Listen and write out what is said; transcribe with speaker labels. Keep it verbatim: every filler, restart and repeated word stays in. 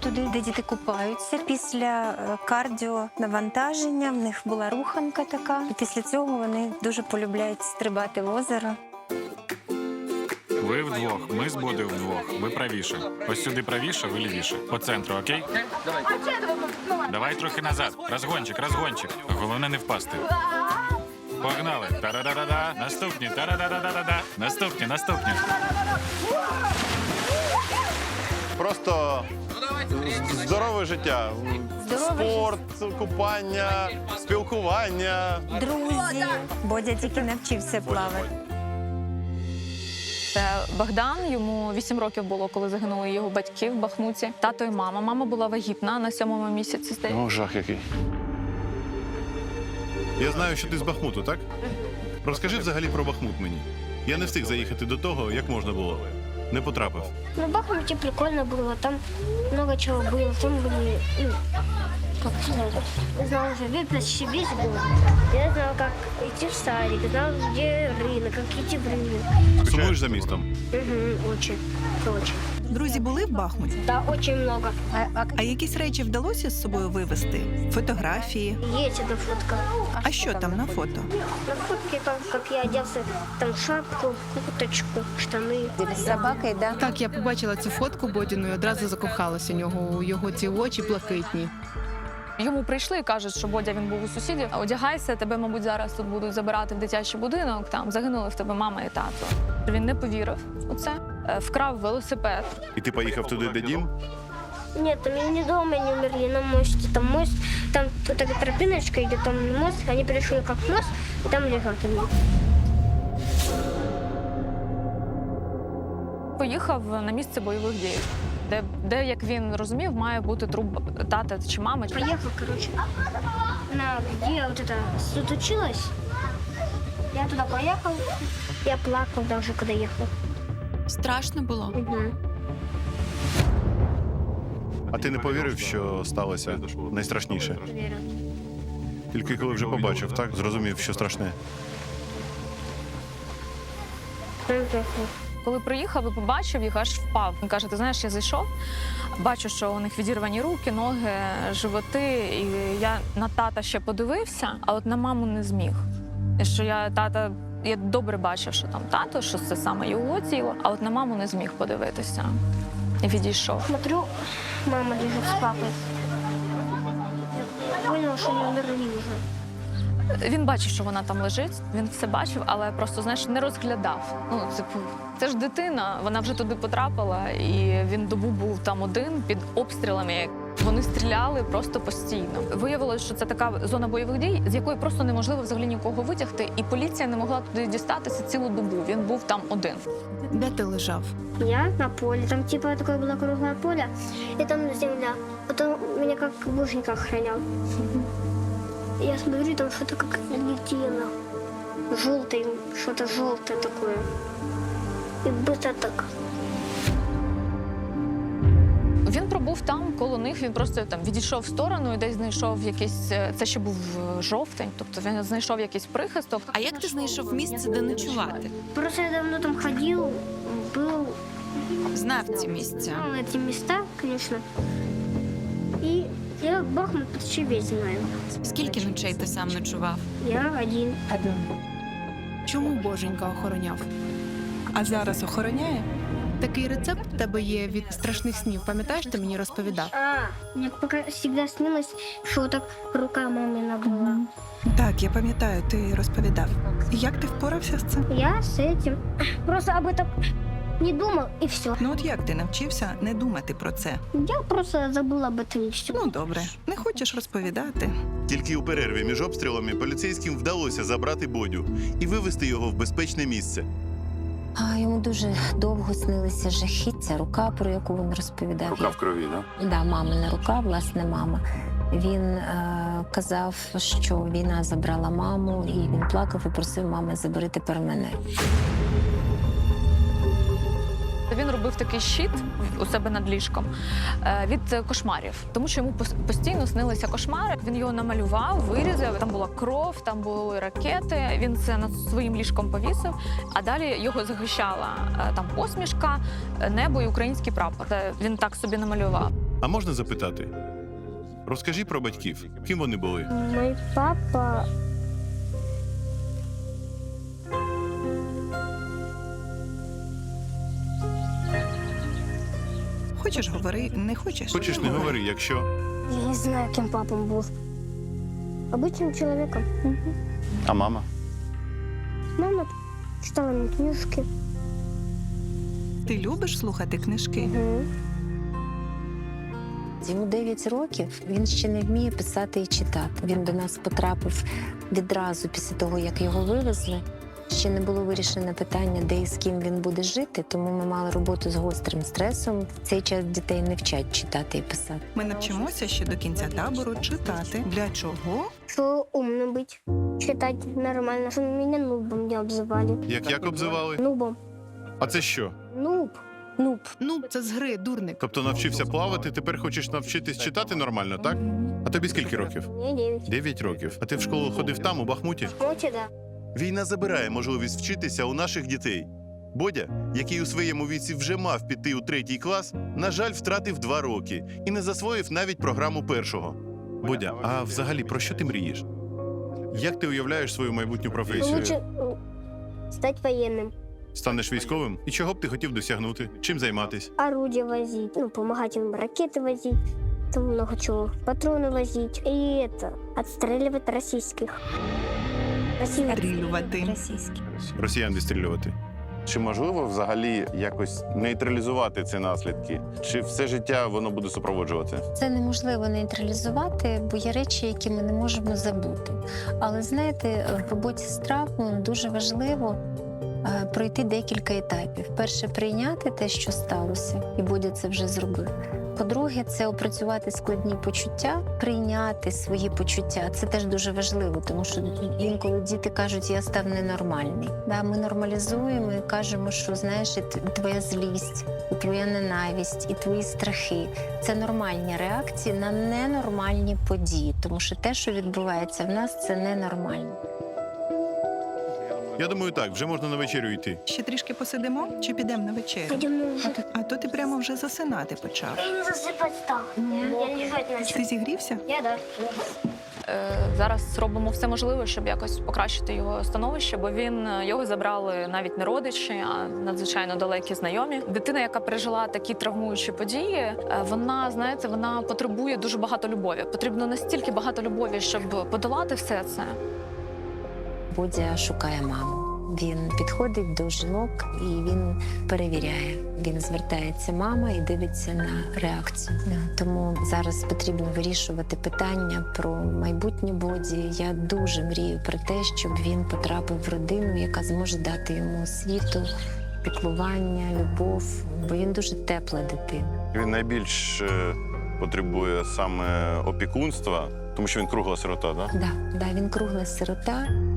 Speaker 1: туди, де діти купаються. Після е, кардіонавантаження в них була руханка така. І після цього вони дуже полюбляють стрибати в озеро.
Speaker 2: Ви вдвох, ми з Бодою вдвох. Ви правіше. Ось сюди правіше, ви лівіше. По центру, окей? Давай трохи назад. Розгончик, розгончик. Головне не впасти. Погнали. Та-да-да-да-да. Наступні. Та-да-да-да-да-да. Наступні, наступні.
Speaker 3: Просто здорове життя.
Speaker 1: Здорове
Speaker 3: Спорт, купання, спілкування.
Speaker 1: Друзі. Бодя тільки навчився плавати.
Speaker 4: Це Богдан, йому вісім років було, коли загинули його батьки в Бахмуті. Тато і мама. Мама була вагітна на сьомому місяці. здається.
Speaker 3: О, жах який.
Speaker 5: Я знаю, що ти з Бахмуту, так? Розкажи взагалі про Бахмут мені. Я не встиг заїхати до того, як можна було. Не потрапив.
Speaker 6: Ну, в Бахмуте прикольно было, там много чего было, там были, ну, как сказать, я знал уже весь, почти весь город. Я знал, как идти в садик, знал, где рынок, как идти в рынок.
Speaker 5: Сумуєш за містом?
Speaker 6: Угу, очень, очень.
Speaker 7: Друзі були в Бахмуті?
Speaker 6: Да, очень много.
Speaker 7: А якісь речі вдалося з собою вивезти? Фотографії?
Speaker 6: Есть эта фотка.
Speaker 7: А що там на фото?
Speaker 6: На фотке, там, как я оделся, там шапку, курточку, штаны.
Speaker 1: З собакою, да?
Speaker 8: Так, я побачила цю фотку Бодіну і одразу закохалася у нього, у його ці очі блакитні.
Speaker 4: Йому прийшли і кажуть, що Бодя, він був у сусідів. Одягайся, тебе, мабуть, зараз тут будуть забирати в дитячий будинок. Там загинули в тебе мама і тато. Він не повірив у це, е, вкрав велосипед.
Speaker 5: І ти поїхав туди, де дім?
Speaker 6: Нет, там не дома, они умерли на мосте. Там мост, там вот такая тропиночка идет, там мост, они перешли как мост, и там лежат они.
Speaker 4: Поїхав на місце бойових дій, де, де, як він розумів, має бути труп тата чи мами.
Speaker 6: Поехал, короче, на где вот это тут училась. Я туда поехал, я плакал даже, когда ехал.
Speaker 9: Страшно було?
Speaker 6: Угу.
Speaker 5: А ти не повірив, що сталося найстрашніше?
Speaker 6: Верю.
Speaker 5: Тільки коли вже побачив, так? Зрозумів, що страшне.
Speaker 4: Коли приїхав і побачив їх, аж впав. Він каже, ти знаєш, я зайшов, бачу, що у них відірвані руки, ноги, животи. І я на тата ще подивився, а от на маму не зміг. І що я тата, я добре бачив, що там тато, що це саме його тіло, а от на маму не зміг подивитися. І відійшов.
Speaker 6: Смотрю, мама лежит с папой. Я понял, что они умерли уже.
Speaker 4: Він бачив, що вона там лежить, він все бачив, але просто, знаєш, не розглядав. Ну, типу, це ж дитина, вона вже туди потрапила, і він добу був там один під обстрілами. Вони стріляли просто постійно. Виявилось, що це така зона бойових дій, з якої просто неможливо взагалі нікого витягти, і поліція не могла туди дістатися цілу добу. Він був там один.
Speaker 8: Де ти лежав?
Speaker 6: Я на поле, там типа такое было круглое поле, и там земля. Потом меня как божник охранял. Я смотрю, там что-то как летело. Желтое, что-то желтое такое. И быстро так.
Speaker 4: Він пробув там, коло них, він просто там відійшов в сторону і десь знайшов якийсь, це ще був жовтень, тобто він знайшов якийсь прихисток.
Speaker 9: А як ти знайшов місце, де ночувати?
Speaker 6: Просто я давно там ходил, был,
Speaker 9: Знав ці місця.
Speaker 6: знал эти места, конечно. И я Бахмут почти весь знаю.
Speaker 9: Скільки ночей ти сам ночував?
Speaker 6: Я один.
Speaker 8: Чому Боженька охороняв?
Speaker 7: А зараз охороняє?
Speaker 8: Такий рецепт в тебе є від страшних снів. Пам'ятаєш, ти мені розповідав?
Speaker 6: А, мне пока всегда снилось, что вот так рука мамина была.
Speaker 7: Так, я пам'ятаю, ти розповідав. І як ти впорався з цим?
Speaker 6: Я с этим просто об этом не думал, и все.
Speaker 7: Ну от як ти навчився не думати про це?
Speaker 6: Я просто забыл об этом и все.
Speaker 7: Ну добре, не хочеш розповідати.
Speaker 5: Тільки у перерві між обстрілами поліцейським вдалося забрати Бодю і вивезти його в безпечне місце.
Speaker 1: А йому дуже довго снилися жахіття, рука, про яку він розповідав.
Speaker 3: Рука в крові, да?
Speaker 1: Да, мамина рука, власне, мама. Він е, казав, що війна забрала маму, і він плакав і просив мами, забери тепер мене.
Speaker 4: Він робив такий щит у себе над ліжком е, від кошмарів, тому що йому пос- постійно снилися кошмари. Він його намалював, вирізав, там була кров, там були ракети. Він це над своїм ліжком повісив, а далі його захищала е, там посмішка, е, небо і український прапор. Це він так собі намалював.
Speaker 5: А можна запитати? Розкажи про батьків. Ким вони були?
Speaker 6: Мой папа...
Speaker 7: Хочеш говори, не хочеш?
Speaker 5: Хочеш, не говори, якщо.
Speaker 6: Я не знаю, кем папа был. Обычным человеком. Мгм.
Speaker 3: А мама?
Speaker 6: Мама читала мне книжки.
Speaker 7: Ти любиш слухати книжки?
Speaker 6: Мгм.
Speaker 1: Йому дев'ять років, він ще не вміє писати і читати. Він до нас потрапив відразу після того, як його вивезли. Ще не було вирішено питання, де і з ким він буде жити, тому ми мали роботу з гострим стресом. В цей час дітей не вчать читати і писати.
Speaker 7: Ми навчимося ще до кінця табору читати. Для чого?
Speaker 6: Что умным быть. Читать нормально. Что меня нубом не обзывали.
Speaker 5: Як як обзивали?
Speaker 6: Нубом.
Speaker 5: А це що?
Speaker 6: Нуб.
Speaker 1: Ну,
Speaker 8: Ну, це з гри, дурник.
Speaker 5: Тобто навчився плавати, тепер хочеш навчитись читати нормально, так? А тобі скільки років?
Speaker 6: Мне девять.
Speaker 5: Дев'ять років. А ти в школу ходив там, у Бахмуті?
Speaker 6: Мочи, да.
Speaker 3: Війна забирає можливість вчитися у наших дітей. Бодя, який у своєму віці вже мав піти у третій клас, на жаль, втратив два роки і не засвоїв навіть програму першого.
Speaker 5: Бодя, а взагалі про що ти мрієш? Як ти уявляєш свою майбутню професію?
Speaker 6: Лучше э, стать военным.
Speaker 5: Станеш військовим? І чого б ти хотів досягнути? Чим займатись?
Speaker 6: Орудия возить. Ну, помогать им ракеты возить. Там много чего. Патроны возить. И это, отстреливать российских. Россию.
Speaker 7: Стрілювати.
Speaker 1: російські.
Speaker 5: Росіян відстрілювати.
Speaker 3: Чи можливо взагалі якось нейтралізувати ці наслідки? Чи все життя воно буде супроводжувати?
Speaker 1: Це неможливо нейтралізувати, бо є речі, які ми не можемо забути. Але знаєте, в роботі з травмою дуже важливо е, пройти декілька етапів. Перше, прийняти те, що сталося, і Бодя це вже зробив. По-друге, це опрацювати складні почуття, прийняти свої почуття. Це теж дуже важливо, тому що інколи діти кажуть, я став ненормальний. Да, ми нормалізуємо і кажемо, що знаєш, і т- твоя злість, і твоя ненависть, і твої страхи – це нормальні реакції на ненормальні події, тому що те, що відбувається в нас, це ненормально.
Speaker 5: Я думаю, так, вже можна на вечерю йти.
Speaker 7: Ще трішки посидимо чи підемо на вечерю?
Speaker 6: Пойдем на ужин.
Speaker 7: А то ти прямо вже засинати почав.
Speaker 6: Я не засыпать стал. Я лежать начал.
Speaker 7: Ти зігрівся?
Speaker 6: Я да.
Speaker 4: Е, Зараз робимо все можливе, щоб якось покращити його становище, бо він його забрали навіть не родичі, а надзвичайно далекі знайомі. Дитина, яка пережила такі травмуючі події, е, вона, знаєте, вона потребує дуже багато любові. Потрібно настільки багато любові, щоб подолати все це.
Speaker 1: Бодя шукає маму. Він підходить до жінок і він перевіряє. Він звертається мама і дивиться на реакцію. Тому зараз потрібно вирішувати питання про майбутнє Боді. Я дуже мрію про те, щоб він потрапив в родину, яка зможе дати йому освіту, піклування, любов, бо він дуже тепла дитина.
Speaker 3: Він найбільш е, потребує саме опікунства, тому що він кругла сирота, так?
Speaker 1: Да, да, він кругла сирота.